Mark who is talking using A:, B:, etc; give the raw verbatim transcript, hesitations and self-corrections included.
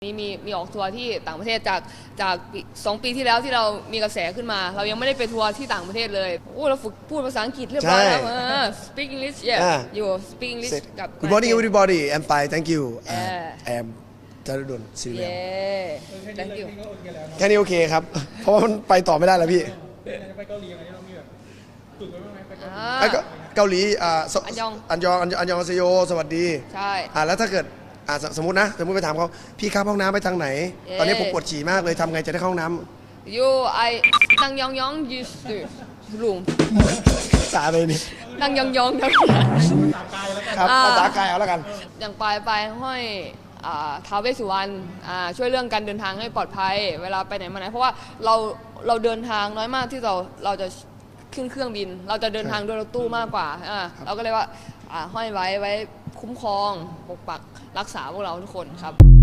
A: นี่มีมีออกทัวร์ที่ต่างประเทศจากจากสองปีที่แล้วที่เรามีกระแสขึ้นมา เรายังไม่ได้ไปทัวร์ที่ต่างประเทศเลยโอ้เราฝึกพูดภาษาอังกฤษเรียบร้อยแล้วเออ speak English yeah อยู่ speak English กับ
B: Good morning everybody I'm fine thank you
A: Yeah.
B: I am จารุดลศิริเวล
A: yeah thank you
B: แค่นี้โอเคครับ เพราะว่ามันไปต่อไม่ได้แล้วพี่
C: ไปเกาหลีอะไรเรามีแบบฝึกไว้บ้างไหมไปเกาหลี
A: อ่า
B: ไอ้ก็เกาหลีอ่าส
A: อันยอง
B: อันยองอันยองอันยองอาเซโยสวัสดี
A: ใช่
B: อ่าแล้วถ้าเกิดอ่าสสมมตินะสมมติไปถามเขาพี่ครับห้องน้ำไปทางไหน
A: เอ๊ะ
B: ตอนนี้ผมปวดฉี่มากเลยทำไงจะได้เข้าห้องน้
A: you I นั่งยองยอง used to room
B: ำสาเลยนี่
A: นั่งยองยองทั้ง
B: ครับ
A: อ่า
B: ภาษากายเอาแล้วกัน
A: อย่างปลายปลายห้อยอ่าท้าวเวสสุวรรณอ่าช่วยเรื่องการเดินทางให้ปลอดภัย เวลาไปไหนมาไหนเพราะว่าเราเราเดินทางน้อยมากที่เราเราจะขึ้นเครื่องบิน เราจะเดินทางด้วยรถตู้มากกว่าอ่าเราก็เลยว่าอ่าห้อยไว้ไว้คุ้มครองปกปักรักษาพวกเราทุกคนครับ